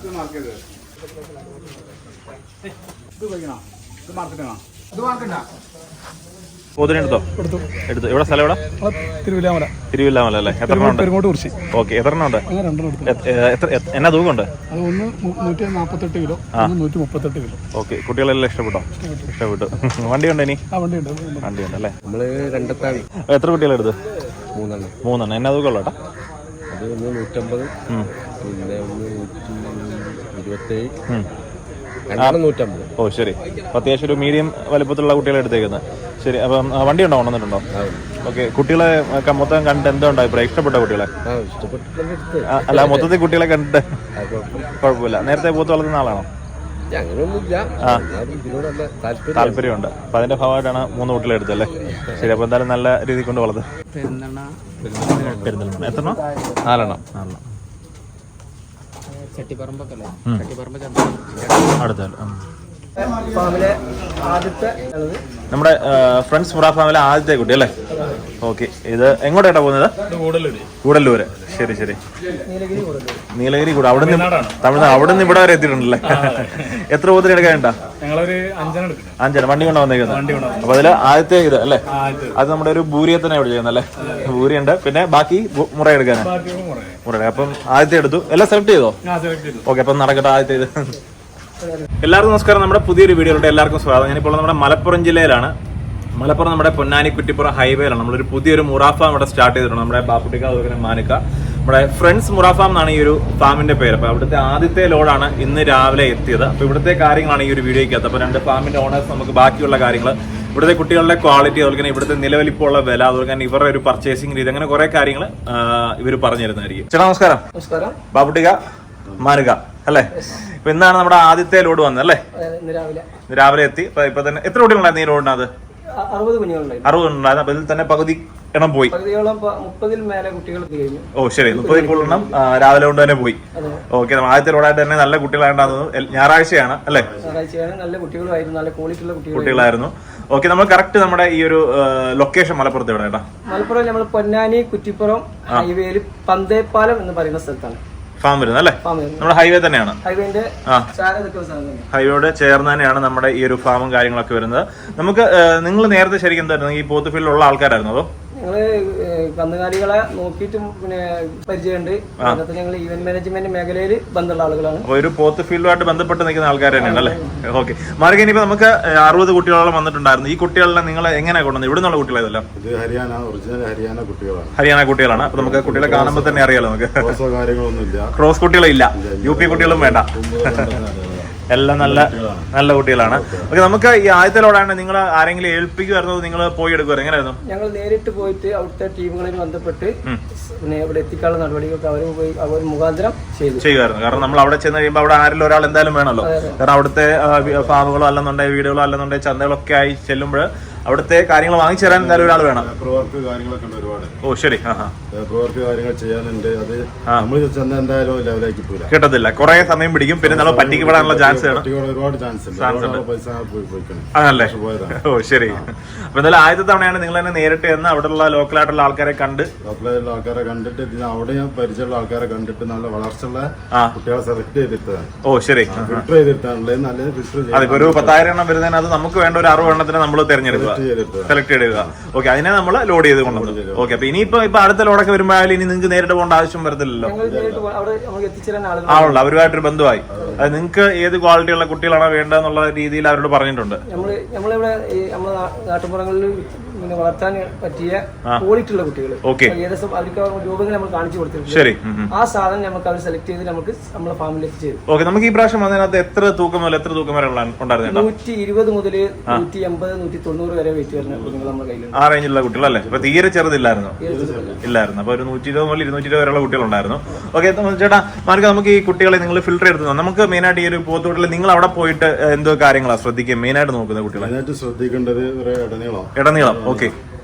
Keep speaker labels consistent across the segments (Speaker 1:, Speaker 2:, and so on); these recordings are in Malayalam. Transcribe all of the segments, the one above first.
Speaker 1: പോത്തിനെടുത്തോ? എടുത്തു. എവിടെ സ്ഥലം? എവിടെ?
Speaker 2: തിരുവില്ലാമല.
Speaker 1: തിരുവില്ലാമല അല്ലേ? എത്ര എണ്ണം ഉണ്ട്? ഓക്കെ, എത്ര എണ്ണം ഉണ്ട്? എന്നാ തൂക്കമുണ്ട്?
Speaker 2: ഒന്ന് 148 കിലോ, 138 കിലോ.
Speaker 1: ഓക്കെ, കുട്ടികളെല്ലാം ഇഷ്ടപ്പെട്ടോ? ഇഷ്ടപ്പെട്ടു. വണ്ടിയുണ്ടോ ഇനി? വണ്ടിയുണ്ട് അല്ലേ?
Speaker 3: നമ്മള് രണ്ടത്താണ്.
Speaker 1: എത്ര കുട്ടികളെടുത്ത്?
Speaker 3: 3
Speaker 1: മൂന്നെണ്ണം. എന്നാ തൂക്കമുള്ള കേട്ടോ?
Speaker 3: അത് 150, പിന്നെ 127, 150.
Speaker 1: ഓ ശരി. അത്യാവശ്യം ഒരു മീഡിയം വലുപ്പത്തിലുള്ള കുട്ടികളെ എടുത്തേക്കുന്നത്. ശരി. അപ്പം വണ്ടി ഉണ്ടോ? കൊണ്ടുവന്നിട്ടുണ്ടോ? ഓക്കെ. കുട്ടികളെ മൊത്തം കണ്ടിട്ട് എന്താ അഭിപ്രായം? ഇഷ്ടപ്പെട്ട കുട്ടികളെ? അല്ല, മൊത്തത്തിൽ കുട്ടികളെ കണ്ടിട്ട് കുഴപ്പമില്ല. നേരത്തെ പോത്ത് വളർത്തുന്ന ആളാണോ? താല്പര്യമുണ്ട്. അപ്പൊ അതിന്റെ ഭാഗമായിട്ടാണ് 3 കുട്ടികളെ എടുത്തല്ലേ? ശരി. അപ്പൊ എന്തായാലും നല്ല രീതിയിൽ കൊണ്ട് വളർത്തും. പെരുന്തൽമണ്ണ. എത്രണ്ണം? 4 എണ്ണം. നമ്മുടെ ഫ്രണ്ട്സ് മുറ ഫാമിലെ ആദ്യത്തെ കുട്ടി അല്ലേ? ഓക്കെ. ഇത് എങ്ങോട്ടാ പോകുന്നത്? കൂടല്ലൂര്. ശരി ശരി. നീലഗിരി കൂടെ. അവിടെ നിന്ന് തമിഴ്നാട്, അവിടെ നിന്ന് ഇവിടെ വരെ എത്തിയിട്ടുണ്ടല്ലേ? എത്ര പോത്തിന് എടുക്കാനുണ്ടാ? 5 വണ്ടി കൊണ്ടാ വന്നേക്കുന്നത്. അപ്പൊ അതില് ആദ്യത്തെ ഇത് അല്ലേ? അത് നമ്മുടെ ഒരു ബൂരിയെ തന്നെ ഇവിടെ ചെയ്യുന്നല്ലേ? ബൂരിയുണ്ട്. പിന്നെ ബാക്കി മുറ എടുക്കാനാ? മുറ. അപ്പം ആദ്യത്തെ എടുത്തു. എല്ലാം സെലക്ട് ചെയ്തോ? ഓക്കെ. അപ്പം നടക്കട്ടെ ആദ്യത്തെ ഇത്. എല്ലാവർക്കും നമസ്കാരം. നമ്മുടെ പുതിയൊരു വീഡിയോയിലോട്ട് എല്ലാവർക്കും സ്വാഗതം. ഞാനിപ്പോൾ നമ്മുടെ മലപ്പുറം ജില്ലയിലാണ്. മലപ്പുറം നമ്മുടെ പൊന്നാനി കുറ്റിപ്പുറം ഹൈവേയിലാണ്. നമ്മളൊരു പുതിയൊരു മുറ ഫാം ഇവിടെ സ്റ്റാർട്ട് ചെയ്തിട്ടുണ്ട്. നമ്മുടെ ബാപ്പുട്ടിക്ക, അതുപോലെ മാനിക്ക, നമ്മുടെ ഫ്രണ്ട്സ് മുറ ഫാം എന്നാണ് ഈ ഒരു ഫാമിന്റെ പേര്. അപ്പോൾ അവിടുത്തെ ആദ്യത്തെ ലോഡാണ് ഇന്ന് രാവിലെ എത്തിയത്. അപ്പോൾ ഇവിടുത്തെ കാര്യങ്ങളാണ് ഈ ഒരു വീഡിയോയ്ക്കകത്ത്. അപ്പോൾ 2 ഫാമിന്റെ ഓണേഴ്സ് നമുക്ക് ബാക്കിയുള്ള കാര്യങ്ങൾ, ഇവിടുത്തെ കുട്ടികളുടെ ക്വാളിറ്റി, അതുപോലെ തന്നെ ഇവിടുത്തെ നിലവിലിപ്പുള്ള വില, അതുപോലെ തന്നെ ഇവരുടെ ഒരു പർച്ചേസിംഗ് രീതി, അങ്ങനെ കുറെ കാര്യങ്ങൾ ഇവർ പറഞ്ഞു തരുന്നതായിരിക്കും. ചേട്ടാ നമസ്കാരം. ബാപ്പുട്ടിക്ക, മാനിക്ക അല്ലേ? ഇപ്പൊ ഇന്നാണ് നമ്മുടെ ആദ്യത്തെ ലോഡ് വന്നത് അല്ലേ? രാവിലെ എത്തി. ഇപ്പൊ തന്നെ എത്ര കുട്ടികളുണ്ടായിരുന്നു ഈ ലോഡിനകത്ത്?
Speaker 2: 60 കുഞ്ഞുങ്ങളുണ്ടായിരുന്നു.
Speaker 1: 60 ഉണ്ടായിരുന്നു. അപ്പൊ ഇതിൽ തന്നെ പകുതി എണ്ണം പോയി.
Speaker 2: 30-ൽ മേലെ കുട്ടികൾ കഴിഞ്ഞു.
Speaker 1: ഓ ശരി. 30 കൂടുതൽ എണ്ണം രാവിലെ കൊണ്ട് തന്നെ പോയി. ഓക്കെ. ആദ്യത്തെ ലോഡായിട്ട് തന്നെ നല്ല കുട്ടികളായിട്ടാണ്. ഞായറാഴ്ചയാണ് അല്ലേ?
Speaker 2: നല്ല കുട്ടികളായിരുന്നു, നല്ല ക്വാളിറ്റി ഉള്ള
Speaker 1: കുട്ടികളായിരുന്നു. ഓക്കെ. നമ്മൾ കറക്റ്റ് നമ്മുടെ ഈ ഒരു ലൊക്കേഷൻ മലപ്പുറത്ത് എവിടെ?
Speaker 2: മലപ്പുറം നമ്മൾ പൊന്നാനി കുറ്റിപ്പുറം ഹൈവേയിൽ പന്തേപ്പാലം എന്ന് പറയുന്ന സ്ഥലത്താണ്
Speaker 1: ഫാം വരുന്നത് അല്ലേ? നമ്മുടെ ഹൈവേ തന്നെയാണ്. ഹൈവേയോട് ചേർന്ന് തന്നെയാണ് നമ്മുടെ ഈ ഒരു ഫാമും കാര്യങ്ങളൊക്കെ വരുന്നത്. നമുക്ക് നിങ്ങൾ നേരത്തെ ശരിക്കും എന്തായിരുന്നു, ഈ പോത്ത് ഫീൽഡിലുള്ള ആൾക്കാരായിരുന്നു അതോ?
Speaker 2: ഞങ്ങള് കന്നുകാലികളെ നോക്കിയിട്ട് പിന്നെ പരിചയമുണ്ട്. അതിനകത്ത് ഞങ്ങൾ ഈവന്റ് മാനേജ്മെന്റ് മേഖലയിൽ ബന്ധമുള്ള ആളുകളാണ്.
Speaker 1: ഒരു പോത്ത് ഫീൽഡുമായിട്ട് ബന്ധപ്പെട്ട് നിൽക്കുന്ന ആൾക്കാർ തന്നെയാണ് അല്ലേ? ഓക്കെ. മാർഗ, ഇനിയിപ്പോ നമുക്ക് 60 കുട്ടികളോളം വന്നിട്ടുണ്ടായിരുന്നു. ഈ കുട്ടികളെ നിങ്ങൾ എങ്ങനെയാണ് കൊണ്ടുവന്നത്? ഇവിടെ നിന്നുള്ള കുട്ടികളെല്ലാം ഹരിയാന കുട്ടികളാണ്. അപ്പൊ നമുക്ക് കുട്ടികളെ കാണുമ്പോൾ തന്നെ അറിയാലോ. നമുക്ക് ക്രോസ് കുട്ടികളില്ല, UP കുട്ടികളും വേണ്ട, എല്ലാം നല്ല നല്ല കുട്ടികളാണ്. ഓക്കെ. നമുക്ക് ഈ ആദ്യത്തെ ലോഡാണ് നിങ്ങൾ ആരെങ്കിലും ഏൽപ്പിക്കുമായിരുന്നോ? നിങ്ങൾ പോയി എടുക്കുമായിരുന്നു? എങ്ങനെയായിരുന്നു?
Speaker 2: ഞങ്ങൾ നേരിട്ട് പോയിട്ട് അവിടുത്തെ ടീമുകളിൽ ബന്ധപ്പെട്ട് പിന്നെ ഇവിടെ എത്തിക്കാനുള്ള നടപടികളൊക്കെ അവർ മുഖാന്തരം
Speaker 1: ചെയ്യുമായിരുന്നു. കാരണം നമ്മൾ അവിടെ ചെന്ന് കഴിയുമ്പോൾ അവിടെ ആരെങ്കിലും ഒരാൾ എന്തായാലും വേണമല്ലോ. കാരണം അവിടുത്തെ ഫാമുകളോ അല്ലെന്നുണ്ടെങ്കിൽ വീടുകളോ അല്ലെന്നുണ്ടെങ്കിൽ ചന്തകളൊക്കെ ആയി ചെല്ലുമ്പോൾ അവിടുത്തെ കാര്യങ്ങൾ വാങ്ങിച്ചു തരാൻ എന്തായാലും ഒരാൾ വേണം. ഓ ശരി.
Speaker 3: കാര്യങ്ങൾ ചെയ്യാനുണ്ട്. അത് നമ്മൾ എന്തായാലും ലെവലായി കിട്ടൂല,
Speaker 1: കിട്ടത്തില്ല. കുറെ സമയം പിടിക്കും. പിന്നെ നമ്മൾ പറ്റിക്കപ്പെടാനുള്ള ചാൻസ്
Speaker 3: ഒരുപാട് ചാൻസ്
Speaker 1: ആണല്ലേ? ഓ ശരി. അപ്പൊ എന്തായാലും ആദ്യത്തെ തവണയാണ് നിങ്ങൾ തന്നെ നേരിട്ട് എന്ന് അവിടെയുള്ള ലോക്കലായിട്ടുള്ള ആൾക്കാരെ
Speaker 3: കണ്ടിട്ട് അവിടെ ഞാൻ പരിചയമുള്ള ആൾക്കാരെ കണ്ടിട്ട് നല്ല വളർച്ചയുള്ള കുട്ടികളെ സെലക്ട് ചെയ്തിട്ടാണ്.
Speaker 1: ഓ ശരി.
Speaker 3: ഫിൽറ്റർ ചെയ്തിട്ടാണല്ലേ? നല്ലത് ഫിൽറ്റർ ചെയ്ത്
Speaker 1: അതിപ്പോ ഒരു 10,000 എണ്ണം വരുന്നതിന് അത് നമുക്ക് വേണ്ട ഒരു 60 എണ്ണത്തിന് നമ്മൾ തിരഞ്ഞെടുക്കുക, സെലക്ട് ചെയ്യുക. ഓക്കെ. അതിനെ നമ്മൾ ലോഡ് ചെയ്ത് കൊണ്ടുവന്നു. ഓക്കെ. അപ്പൊ ഇനിയിപ്പോ അടുത്ത ലോഡൊക്കെ വരുമ്പോഴായാലും ഇനി നിങ്ങൾക്ക് നേരിട്ട് പോകേണ്ട ആവശ്യം വരത്തില്ലല്ലോ. ആണല്ലോ, അവരുമായിട്ടൊരു ബന്ധമായി. അത് നിങ്ങൾക്ക് ഏത് ക്വാളിറ്റിയുള്ള കുട്ടികളാണോ വേണ്ടതെന്നുള്ള രീതിയിൽ അവരോട് പറഞ്ഞിട്ടുണ്ട്.
Speaker 2: നമ്മളിവിടെ നമ്മുടെ നാട്ടുപുറങ്ങളിൽ വളർത്താൻ പറ്റിയ ക്വാളിറ്റി ഉള്ള കുട്ടികൾ ഏകദേശം അവർക്ക് രൂപങ്ങൾ നമ്മൾ കാണിച്ചു കൊടുത്തിട്ടുണ്ട്.
Speaker 1: ശരി.
Speaker 2: ആ സാധനം നമുക്ക് അവർ സെലക്ട് ചെയ്ത് നമുക്ക് നമ്മുടെ ഫാമിൽ എത്തിച്ചേരും.
Speaker 1: ഓക്കെ. നമുക്ക് ഈ പ്രാവശ്യം അതിനകത്ത് എത്ര തൂക്കം മുതൽ എത്ര തൂക്കം വരെ ഉണ്ടായിരുന്നു?
Speaker 2: 120 മുതൽ 180, 190 വരെ വെയിറ്റ് വരുന്ന കുട്ടികൾ നമ്മുടെ കയ്യിലുണ്ട്.
Speaker 1: ആ റേഞ്ചിലുള്ള കുട്ടികളല്ലേ? അപ്പൊ തീരെ ചെറുതില്ലായിരുന്നു? ഇല്ലായിരുന്നു. അപ്പൊ ഒരു 120 മുതൽ 220 വരെയുള്ള കുട്ടികളുണ്ടായിരുന്നു. ഓക്കെ. ചേട്ടാ മാർക്ക്, നമുക്ക് ഈ കുട്ടികളെ നിങ്ങൾ ഫിൽറ്റർ എടുത്തു. നമുക്ക് മെയിനായിട്ട് ഈ ഒരു പോത്തുകുട്ടികൾ നിങ്ങൾ അവിടെ പോയിട്ട് എന്തോ കാര്യങ്ങളാണ് ശ്രദ്ധിക്കുക മെയിനായിട്ട് നോക്കുന്ന കുട്ടികളെ?
Speaker 3: ശ്രദ്ധിക്കേണ്ടത് ഇടനീളം.
Speaker 1: ഓക്കെ.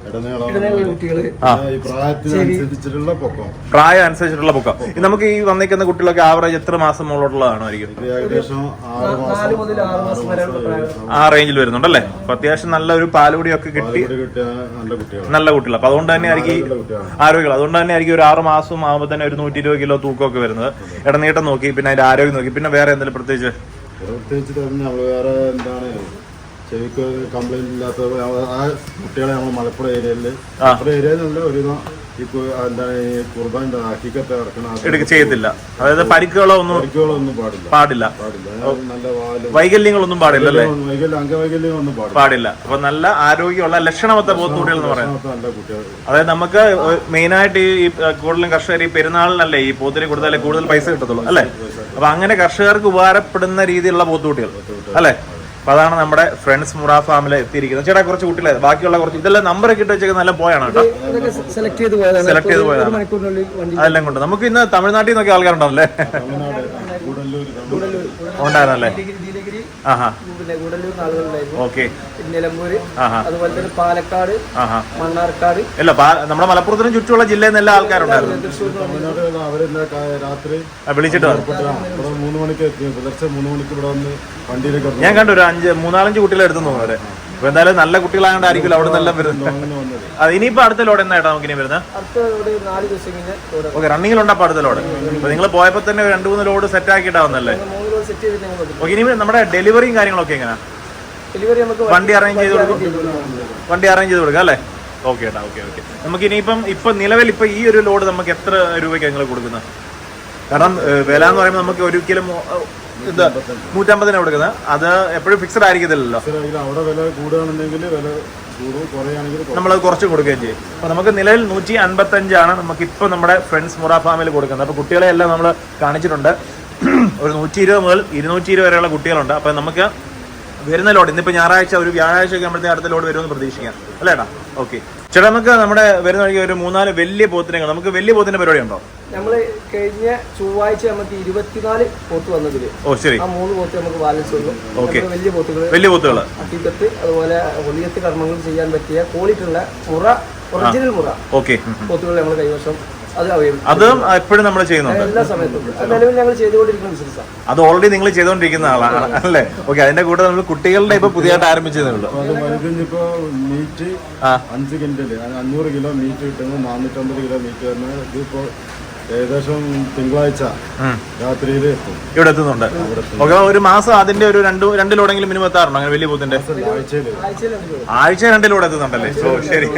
Speaker 2: ഇടനീളമുള്ള കുട്ടികള്,
Speaker 3: ഈ പ്രായത്തിനനുസരിച്ചിട്ടുള്ള പൊക്കം.
Speaker 1: പ്രായം അനുസരിച്ചിട്ടുള്ള പൊക്കം. നമുക്ക് ഈ വന്നിരിക്കുന്ന കുട്ടികളൊക്കെ ആവറേജ് എത്ര മാസം മുകളിലുള്ളതാണായിരിക്കും?
Speaker 3: ഏകദേശം
Speaker 2: 4 മുതൽ 6 മാസം വരെയുള്ള പ്രായം
Speaker 1: ആ റേഞ്ചിൽ വരുന്നുണ്ടല്ലേ? അപ്പൊ അത്യാവശ്യം നല്ല ഒരു പാലുകൂടിയൊക്കെ കിട്ടി നല്ല കുട്ടികൾ. അപ്പൊ അതുകൊണ്ട് തന്നെ ആയിരിക്കും ആരോഗ്യം. അതുകൊണ്ട് തന്നെ ആയിരിക്കും ഒരു 6 മാസം ആകുമ്പോൾ തന്നെ ഒരു 120 കിലോ തൂക്കമൊക്കെ വരുന്നത്. ഇടനീട്ടം നോക്കി, പിന്നെ അതിന്റെ ആരോഗ്യം നോക്കി, പിന്നെ വേറെ എന്തെങ്കിലും പ്രത്യേകിച്ച്
Speaker 3: നമ്മള് വേറെ എന്താണ് ചെവിക്ക് കംപ്ലൈന്റ് ഇല്ലാത്ത ആ കുട്ടികളെ നമ്മൾ മലപ്പുറം ഏരിയയിലുള്ള ഒരു എന്താണ് ഈ കുർബാൻ ഹക്കീക്കത്ത് ഇറക്കണം
Speaker 1: ചെയ്യത്തില്ല. അതായത് പരിക്കുകളോ ഒന്നും പാടില്ല,
Speaker 3: നല്ല
Speaker 1: വൈകല്യങ്ങളൊന്നും പാടില്ല അല്ലേ?
Speaker 3: അംഗവൈകല്യങ്ങളൊന്നും
Speaker 1: പാടില്ല. അപ്പൊ നല്ല ആരോഗ്യമുള്ള ലക്ഷണമൊത്ത പോത്തുകുട്ടികൾ എന്ന് പറയുന്നത്.
Speaker 3: നല്ല കുട്ടികൾ.
Speaker 1: അതായത് നമുക്ക് മെയിനായിട്ട് ഈ കൂടുതലും കർഷകർ ഈ പെരുന്നാളിനല്ലേ ഈ പോത്തിനെ കൊടുത്താലേ കൂടുതൽ പൈസ കിട്ടത്തുള്ളൂ അല്ലെ? അപ്പൊ അങ്ങനെ കർഷകർക്ക് ഉപകാരപ്പെടുന്ന രീതിയിലുള്ള പോത്തുകുട്ടികൾ അല്ലെ? അപ്പൊ അതാണ് നമ്മുടെ ഫ്രണ്ട്സ് മുറ ഫാമിൽ എത്തിയിരിക്കുന്നത്. ചേട്ടാ കുറച്ച് കുട്ടികളെ ബാക്കിയുള്ള കുറച്ച് ഇതെല്ലാം നമ്പറൊക്കെ ഇട്ട് വെച്ചേക്ക് നല്ല പോയാണ് കേട്ടോ.
Speaker 2: സെലക്ട് ചെയ്ത് പോയതാണ്.
Speaker 1: അതെല്ലാം കൊണ്ട് നമുക്ക് ഇന്ന് തമിഴ്നാട്ടിൽ നിന്നൊക്കെ ആൾക്കാരുണ്ടാവല്ലേ? ഉണ്ടായിരുന്നല്ലേ? ഓക്കെ.
Speaker 2: നിലമ്പൂര്, അതുപോലെ തന്നെ പാലക്കാട്, മണ്ണാർക്കാട്,
Speaker 1: അല്ല നമ്മുടെ മലപ്പുറത്തിനും ചുറ്റുമുള്ള ജില്ലയിൽ നിന്ന് എല്ലാ ആൾക്കാരുണ്ടായിരുന്നു.
Speaker 3: രാത്രി
Speaker 1: വിളിച്ചിട്ട്
Speaker 3: 3 മണിക്ക് എത്തി. പുലർച്ചെ 3 മണിക്ക് ഇവിടെ വന്ന് വണ്ടിയിലേക്ക്
Speaker 1: ഞാൻ കണ്ടു ഒരു 3-4 കുട്ടികളെ എടുത്തു അവരെ. അപ്പൊ എന്തായാലും നല്ല കുട്ടികളായോണ്ടായിരിക്കും അവിടെ നിന്നെല്ലാം വരുന്നത്. അത് ഇനിയിപ്പോ അടുത്ത ലോഡ് എന്നാ നമുക്ക് ഇനി വരുന്നത്? ഓക്കെ, റണ്ണിങ്ങിലുണ്ട്. അപ്പൊ അടുത്ത ലോഡ് അപ്പൊ നിങ്ങൾ പോയപ്പോ തന്നെ 2-3 ലോഡ് സെറ്റ് ആക്കിയിട്ടാവുന്നല്ലേ? ഓക്കെ, ഇനി നമ്മുടെ ഡെലിവറിയും കാര്യങ്ങളൊക്കെ എങ്ങനെയാ? വണ്ടി അറേഞ്ച് ചെയ്ത് കൊടുക്കാം അല്ലേ? ഓക്കെ ഏട്ടാ, ഓക്കെ. നമുക്ക് ഇനിയിപ്പം നിലവിൽ ഈ ഒരു ലോഡ് നമുക്ക് എത്ര രൂപയ്ക്ക് നിങ്ങൾ കൊടുക്കുന്നത്? കാരണം വില എന്ന് പറയുമ്പോൾ നമുക്ക് ഒരിക്കലും 150 കൊടുക്കുന്നത്. അത് എപ്പോഴും ഫിക്സഡ് ആയിരിക്കത്തില്ലല്ലോ.
Speaker 3: അവിടെ വില കൂടുകയാണെന്നുണ്ടെങ്കിൽ വില
Speaker 1: നമ്മളത് കുറച്ച് കൊടുക്കുകയും ചെയ്യും. അപ്പൊ നമുക്ക് നിലവിൽ 155 നമുക്ക് ഇപ്പൊ നമ്മുടെ ഫ്രണ്ട്സ് മുറ ഫാമിൽ കൊടുക്കുന്നത്. അപ്പൊ കുട്ടികളെ എല്ലാം നമ്മൾ കാണിച്ചിട്ടുണ്ട്. ഒരു 120 മുതൽ 220 വരെയുള്ള കുട്ടികളുണ്ട്. അപ്പൊ നമുക്ക് വരുന്ന ലോഡ് ഇന്നിപ്പോ ഞായറാഴ്ച ഒരു വ്യാഴാഴ്ച ഒക്കെ ആകുമ്പോഴത്തേക്ക് അടുത്ത ലോഡ് വരുമെന്ന് പ്രതീക്ഷിക്കാം അല്ലേടാ? ഓക്കെ ചേട്ടാ, നമുക്ക് നമ്മുടെ വരുന്ന വഴിക്ക് ഒരു 3-4 വലിയ പോത്തിനെ, നമുക്ക് വലിയ പോത്തിന്റെ പരിപാടി ഉണ്ടോ?
Speaker 2: നമ്മള് കഴിഞ്ഞ ചൊവ്വാഴ്ച നമുക്ക് 24 പോത്ത് വന്നതില്
Speaker 1: ശരി,
Speaker 2: ആ 3 പോത്ത് നമുക്ക് ബാലൻസ് ഉള്ളൂ.
Speaker 1: വലിയ പോത്തുകൾ
Speaker 2: അട്ടിക്കത്ത് അതുപോലെ ഒളിയത്ത് കർമ്മങ്ങൾ ചെയ്യാൻ പറ്റിയ ക്വാളിറ്റി ഉള്ള ഒറിജിനൽ മുറ പോത്തുകൾ നമ്മൾ കൈവശം
Speaker 1: അതും എപ്പോഴും നമ്മൾ ചെയ്യുന്നുണ്ട്.
Speaker 2: എല്ലാ സമയത്തും നിലവിൽ ഞങ്ങൾ ചെയ്തുകൊണ്ടിരിക്കുന്ന ബിസിനസ്സാണ്.
Speaker 1: അത് ഓൾറെഡി നിങ്ങൾ ചെയ്തുകൊണ്ടിരിക്കുന്ന ആളാണ് അല്ലേ? ഓക്കെ, അതിന്റെ കൂടെ നമ്മൾ കുട്ടികളുടെ ഇപ്പൊ പുതിയതായിട്ട് ആരംഭിച്ചതേ ഉള്ളൂ.
Speaker 3: ഇപ്പോ മീറ്റ് 5 കിൻഡല് 500 കിലോ മീറ്റ് കിട്ടുന്നത് 450 കിലോ മീറ്റ് വരുന്നത് ഇതിപ്പോ ഏകദേശം തിങ്കളാഴ്ച രാത്രിയിൽ
Speaker 1: ഇവിടെ എത്തുന്നുണ്ട്. ഓക്കെ, ഒരു മാസം അതിന്റെ ഒരു 2 ലോഡെങ്കിലും മിനിമം എത്താറുണ്ടോ അങ്ങനെ വലിയ പോത്തിന്റെ? ആഴ്ച 2 ലോഡ് എത്തുന്നുണ്ടല്ലേ? ശരി.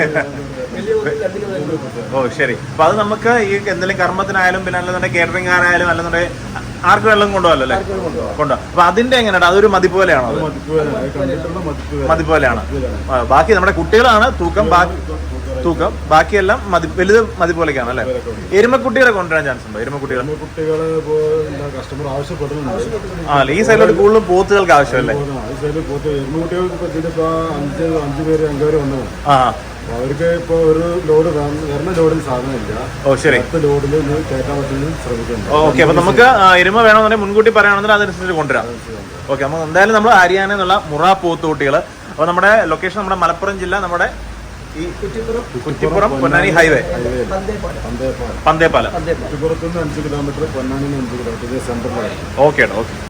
Speaker 1: ശരി. അപ്പൊ അത് നമുക്ക് ഈ എന്തെങ്കിലും കർമ്മത്തിനായാലും പിന്നെ അല്ലെന്നുണ്ടെങ്കിൽ കേറ്ററിംഗ് ആയാലും അല്ലെന്നുണ്ടെങ്കിൽ ആർക്ക് വെള്ളം കൊണ്ടുപോകല്ലോ അല്ലേ? കൊണ്ടുപോകാം. അപ്പൊ അതിന്റെ എങ്ങനെയാണ്? അതൊരു മതി പോലെയാണോ? മതി പോലെയാണ്. ബാക്കി നമ്മുടെ കുട്ടികളാണ് തൂക്കം, ബാക്കിയെല്ലാം വലുത് മതി പോലെയൊക്കെയാണ് അല്ലേ? എരുമക്കുട്ടികളെ കൊണ്ടുവരാൻ ചാൻസ് ഉണ്ടോ? എരുമക്കുട്ടികൾ
Speaker 3: കസ്റ്റമർ ആവശ്യപ്പെടുന്നുണ്ട്.
Speaker 1: ഈ സൈഡിലോട്ട് കൂടുതലും പോത്തുകൾക്ക് ആവശ്യമല്ലേ?
Speaker 3: എരുമക്കുട്ടികൾക്ക് 5 പേര് 5 പേര് വന്നു. അവർക്ക് ഇപ്പൊ ഒരു ലോഡ് വരുന്ന ലോഡിൽ സാധനമില്ല.
Speaker 1: ശരി,
Speaker 3: ലോഡിൽ കയറ്റാൻ പറ്റുന്നത് ശ്രമിക്കുന്നു.
Speaker 1: ഓക്കെ, അപ്പൊ നമുക്ക് എരുമ വേണമെന്നുണ്ടെങ്കിൽ മുൻകൂട്ടി പറയുകയാണെന്നുണ്ടെങ്കിൽ അതനുസരിച്ച് കൊണ്ടുവരാം. ഓക്കെ, അപ്പൊ എന്തായാലും നമ്മൾ ഹരിയാന എന്നുള്ള മുറ പോത്തുകുട്ടികൾ. അപ്പൊ നമ്മുടെ ലൊക്കേഷൻ നമ്മുടെ മലപ്പുറം ജില്ല, നമ്മുടെ ഈ കുറ്റിപ്പുറം പൊന്നാനി ഹൈവേ, പന്തേപ്പാലം.
Speaker 3: കുറ്റിപ്പുറത്തുനിന്ന് 5 കിലോമീറ്റർ, പൊന്നാനി 5 കിലോമീറ്റർ സെൻട്രലാണ്.
Speaker 1: ഓക്കെ.